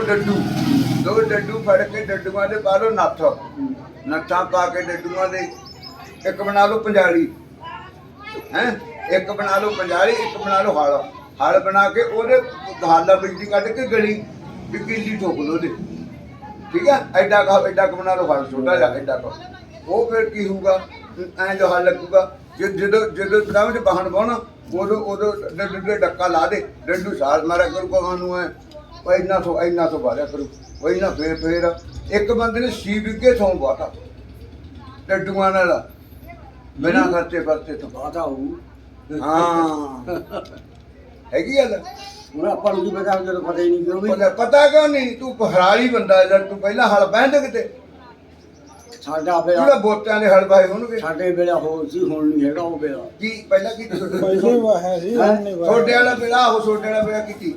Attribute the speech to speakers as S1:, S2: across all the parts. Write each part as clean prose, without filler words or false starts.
S1: ਦੋ ਡੱਡੂ ਫੜ ਕੇ ਡੱਡੂਆਂ ਦੇ ਪਾ ਲਓ ਨੱਥ, ਨੱਥਾਂ ਪਾ ਕੇ ਡੱਡੂਆਂ ਦੇ ਇੱਕ ਬਣਾ ਲਓ ਪੰਜਾਲੀ ਹੈ, ਇੱਕ ਬਣਾ ਲਓ ਪੰਜਾਲੀ, ਇੱਕ ਬਣਾ ਲਓ ਹਲ, ਹਲ ਬਣਾ ਕੇ ਉਹਦੇ ਹਾਲਾ ਬਿਜਲੀ ਕੱਢ ਕੇ ਗਲੀ ਵੀ ਕਿੱਲੀ ਠੋਕ ਲਓ ਉਹਦੇ, ਠੀਕ ਹੈ। ਐਡਾ ਕੁ ਬਣਾ ਲਓ ਹਲ ਛੋਟਾ ਜਿਹਾ ਐਡਾ ਕੁ, ਉਹ ਫਿਰ ਕੀ ਹੋਊਗਾ ਐਂ ਜੋ ਹਲ ਲੱਗੂਗਾ ਜਦੋਂ ਜਦੋਂ ਤਰਾਹ 'ਚ ਬਾਹਣ ਪਾਉਣਾ ਉਦੋਂ ਡੱਡੂ ਦੇ ਡੱਕਾ ਲਾ ਦੇ, ਡੱਡੂ ਸਾਲ ਮਾਰਿਆ ਕਰੂਗਾ ਉਹਨੂੰ ਐ ਉਹ ਇੰਨਾ ਤੋਂ ਬਾਰਿਆ ਕਰੂ ਉਹ ਇੰਨਾ ਫੇਰ ਇੱਕ ਬੰਦੇ ਨੇ 6 ਵਿਗੇ ਥੋਂ ਬਾਤਾ ਡੱਡੂਆਂ ਨਾਲ ਬਿਨਾਂ ਖਰਚੇ ਵਰਤੇ ਤੋਂ
S2: ਬਾਤਾ ਹੋਊ।
S1: ਹਾਂ ਹੈਗੀ ਗੱਲ।
S2: ਹੁਣ ਆਪਾਂ ਨੂੰ ਕੀ ਪਤਾ ਜਦੋਂ ਪਤਾ ਹੀ ਨਹੀਂ ਕਿਉਂ ਵੀ
S1: ਪਤਾ ਕਿਉਂ ਨਹੀਂ, ਤੂੰ ਹਰਾਲੀ ਬੰਦਾ ਜਦ ਤੂੰ ਪਹਿਲਾਂ ਹਲ ਬਹਿੰਦੇ ਕਿਤੇ
S2: ਸਾਡਾ ਵੇਲਾ
S1: ਜਿਹੜਾ ਬੋਤਿਆਂ ਦੇ ਹਲ ਬਾਏ ਹੋਣਗੇ
S2: ਸਾਡੇ ਵੇਲਾ ਹੋਰ ਸੀ, ਹੁਣ ਨਹੀਂ ਹੈਗਾ ਉਹ ਵੇਲਾ।
S1: ਕੀ ਪਹਿਲਾਂ ਕੀ
S3: ਪਹਿਲੇ ਵਾਹਿਆ ਸੀ ਹੁਣ ਨਹੀਂ ਵਾਹਿਆ।
S1: ਛੋਟੇ ਵਾਲਾ ਵੇਲਾ ਉਹ ਛੋਟੇ ਵਾਲਾ ਵੇਲਾ ਕੀਤੀ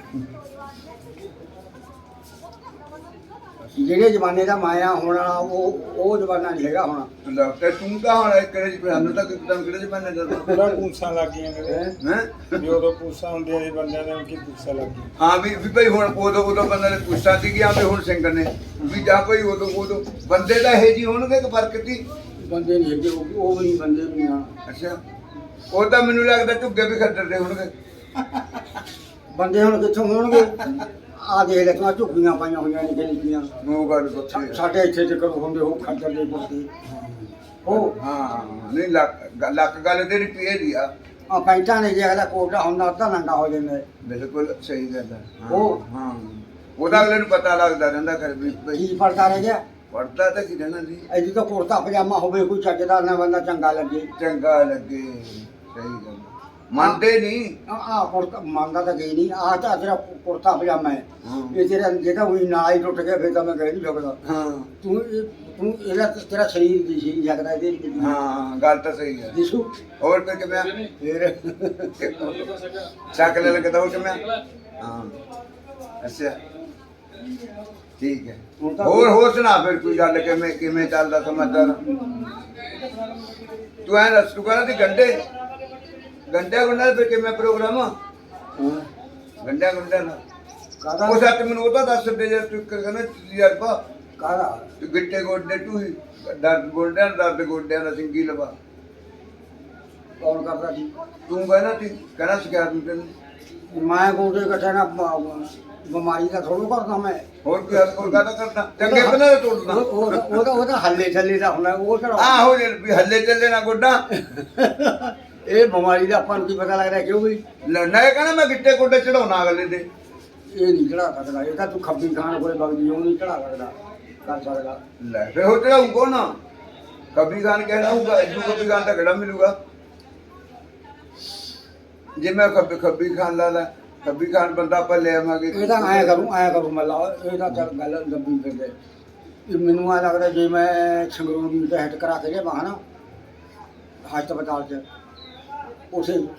S2: ਜਿਹੜੇ ਜ਼ਮਾਨੇ ਦਾ ਮਾਇਆ ਹੋਣਾ ਉਹ ਜ਼ਮਾਨਾ ਨਹੀਂ ਹੈਗਾ ਹੁਣ।
S1: ਤੇ ਤੂੰ ਤਾਂ ਹੁਣ ਕਿਹੜੇ ਚ ਸਾਨੂੰ ਤਾਂ ਕਿਦਾਂ ਕਿਹੜੇ ਚ ਬੰਨੇ ਜਾਂਦਾ
S3: ਪੂਰਾ ਪੂਛਾਂ ਲੱਗ ਗਈਆਂ ਨੇ
S1: ਹੈ
S3: ਜਦੋਂ ਪੂਛਾਂ ਹੁੰਦੀਆਂ ਨੇ ਬੰਦਿਆਂ ਦੇ ਕੀ ਪੂਛਾਂ ਲੱਗ ਗਈਆਂ।
S1: ਹਾਂ ਵੀ ਭਾਈ ਹੁਣ ਉਦੋਂ ਬੰਦੇ ਨੇ ਪੁੱਛਿਆ ਸੀ ਕਿ ਹੁਣ ਸਿੰਘ ਨੇ ਵੀ ਜਾਂ ਕੋਈ ਉਦੋਂ ਬੰਦੇ ਦਾ ਇਹ ਜੀ ਹੋਣਗੇ ਕਿ ਫਰਕ ਸੀ
S2: ਬੰਦੇ ਨਹੀਂ ਹੈਗੇ ਉਹ ਵੀ ਨਹੀਂ ਬੰਦੇ ਵੀ ਨਹੀਂ ਆ।
S1: ਅੱਛਾ ਉਹ ਤਾਂ ਮੈਨੂੰ ਲੱਗਦਾ ਝੁੱਗੇ ਵੀ ਖੱਟਰਦੇ ਹੋਣਗੇ
S2: ਬੰਦੇ ਹੁਣ ਕਿੱਥੋਂ ਹੋਣਗੇ? ਆ ਦੇਖ ਲੈ ਤੂੰ ਝੁੱਗੀਆਂ ਪਾਈਆਂ ਹੋਈਆਂ ਨੇ ਜਿਹੜੀਆਂ
S1: ਨੂੰ ਗੱਲ ਪੁੱਛੀ
S2: ਸਾਡੇ ਇੱਥੇ ਤੇ ਕਰੂ ਹੁੰਦੇ ਉਹ ਖੱਦਰ ਦੇ ਪੁੱਤੇ ਉਹ
S1: ਹਾਂ ਨਹੀਂ ਲੱਕ ਗੱਲ ਤੇਰੀ ਪੀਏ ਦੀ ਆ
S2: ਆ ਪੈਂਟਾਂ ਨੇ ਜੇ ਅਗਲਾ ਕੋਟਾ ਹੁੰਦਾ ਤਾਂ ਨੰਗਾ ਹੋ ਜਾਂਦਾ।
S1: ਬਿਲਕੁਲ ਸਹੀ ਗੱਲ ਹੈ
S2: ਉਹ
S1: ਹਾਂ ਉਹਦਾ ਅਗਲੇ ਨੂੰ ਪਤਾ ਲੱਗਦਾ ਰਹਿੰਦਾ ਕਰ ਵੀ
S2: ਕੀ ਪੜਦਾ ਰਹਿ ਗਿਆ?
S1: ਪੜਦਾ ਤਾਂ ਕੀ ਰਹਿਣਾ ਜੀ
S2: ਐਦੀ ਤਾਂ ਕੁੜਤਾ ਪਜਾਮਾ ਹੋਵੇ ਕੋਈ ਚੱਜਦਾ ਨਾ ਬੰਦਾ ਚੰਗਾ ਲੱਗੇ।
S1: ਚੰਗਾ ਲੱਗੇ ਸਹੀ ਗੱਲ ਮੰਨਦੇ ਨਹੀਂ
S2: ਆ ਕੁੜਤਾ ਮੰਨਦਾ ਤਾਂ ਗਈ ਨਹੀਂ। ਆ ਤਾਂ ਤੇਰਾ ਕੁੜਤਾ ਪਜਾਮਾ ਹੈ
S1: ਹਾਂ
S2: ਇਹ ਤੇਰਾ ਜਿਹੜਾ ਉਹੀ ਨਾਲ ਹੀ ਟੁੱਟ ਗਿਆ ਫਿਰ ਤਾਂ ਮੈਂ ਕਹਿ ਨਹੀਂ ਸਕਦਾ।
S1: ਹਾਂ
S2: ਤੂੰ ਇਹਦਾ ਤੇਰਾ ਸਰੀਰ ਦੀ ਸੀ ਜਗਦਾ ਇਹਦੇ ਵਿੱਚ
S1: ਹਾਂ ਗੱਲ ਤਾਂ ਸਹੀ ਹੈ
S2: ਦਿਸੂ
S1: ਹੋਰ ਕੋਈ ਕਿਵੇਂ
S2: ਫਿਰ
S1: ਸ਼ਕਲ ਲੱਗਦਾ ਹੋ ਕਿਵੇਂ ਹਾਂ ਅੱਛਾ ਠੀਕ ਹੈ ਹੋਰ ਸੁਣਾ ਫਿਰ ਕੋਈ ਗੱਲ ਕਿਵੇਂ ਚੱਲਦਾ ਸਮਾਚਾਰ ਤੂੰ ਐ ਦੱਸ ਤੂੰ ਕਹਿੰਦਾ ਸੀ ਗੰਡਿਆ ਗੁੰਡਾ ਫਿਰ ਕਿਵੇਂ ਪ੍ਰੋਗਰਾਮ ਗੰਡਿਆ ਗੁੰਡਾ ਦਾ
S2: ਕਾਹਦਾ
S1: ਉਹ ਸੱਚ ਮੈਨੂੰ ਉਹਦਾ ਦੱਸ ਦੇ ਜੇ ਤੂੰ ਕਹਿੰਦਾ ਯਾਰ ਪਾ
S2: ਕਾਹਦਾ
S1: ਤੂੰ ਗਿੱਟੇ ਗੋਡੇ ਤੂੰ ਹੀ ਦਰਦ ਗੋਡਿਆਂ ਦਾ ਸਿੰਗੀ ਲਵਾ
S2: ਕੌਣ ਕਰਦਾ ਸੀ?
S1: ਤੂੰ ਕਹਿੰਦਾ ਸ਼ਿਕਾਇਤ ਨੂੰ ਤੈਨੂੰ
S2: ਮੈਂ ਗੋਡੇ ਇਕੱਠੇ ਨਾ ਬਿਮਾਰੀ ਦਾ ਥੋੜ੍ਹਾ ਕਰਦਾ ਮੈਂ।
S1: ਹੋਰ ਕੀ ਹੋਰ ਕਾਹਦਾ ਕਰਦਾ ਚੰਗੇ ਬਣਾ ਤੋੜਨਾ
S2: ਉਹਦਾ ਹੱਲੇ ਥੱਲੇ ਦਾ ਹੁੰਦਾ ਉਹ ਕਿਹੜਾ
S1: ਆਹੋ ਜੇ ਵੀ ਹੱਲੇ ਚੱਲੇ ਨਾ ਗੋਡਾ
S2: ਇਹ ਬਿਮਾਰੀ ਦਾ ਆਪਾਂ ਨੂੰ ਕੀ ਪਤਾ ਲੱਗਦਾ ਕਿਉਂ ਵੀ
S1: ਨਾ ਇਹ ਕਹਿੰਦਾ ਮੈਂ ਗਿੱਟੇ ਗੋਡੇ ਚੜਾਉਣਾ ਅਗਲੇ ਦੇ
S2: ਇਹ ਨਹੀਂ ਚੜਾ ਸਕਦਾ। ਇਹ ਤਾਂ ਤੂੰ ਖੱਬੀ ਖਾਨ ਕੋਲੇ ਬਗਦੀ ਉਹ ਨਹੀਂ ਚੜਾ ਸਕਦਾ ਕਰ ਸਕਦਾ।
S1: ਲੈ ਫੇ ਹੋ ਚੜਾਊ ਕੋ ਨਾ ਕਬੀ ਖਾਨ ਕਹਿਣਾ ਹੋਊਗਾ ਇਦੋਂ ਕਬੀ ਖਾਨ ਦਾ ਕਿਹੜਾ ਮਿਲੂਗਾ ਜੇ ਮੈਂ ਖੱਬੀ ਖਾਨ ਲਾ ਕਬੀ ਖਾਨ ਬੰਦਾ ਆਪਾਂ ਲੈ ਆਵਾਂਗੇ
S2: ਇਹ ਤਾਂ ਐਂ ਕਰੂ ਮੱਲਾ ਇਹ ਤਾਂ ਚੱਲ ਗੱਲ ਲੰਬੀ ਕਰਦੇ। ਇਹ ਮੈਨੂੰ ਆ ਲੱਗਦਾ ਜੇ ਮੈਂ ਸੰਗਰੂਰ ਦੀ ਟੈਸਟ ਕਰਾ ਕੇ ਲਿਆਵਾਂ ਨਾ ਹਸਪਤਾਲ 'ਚ ਉਸੇ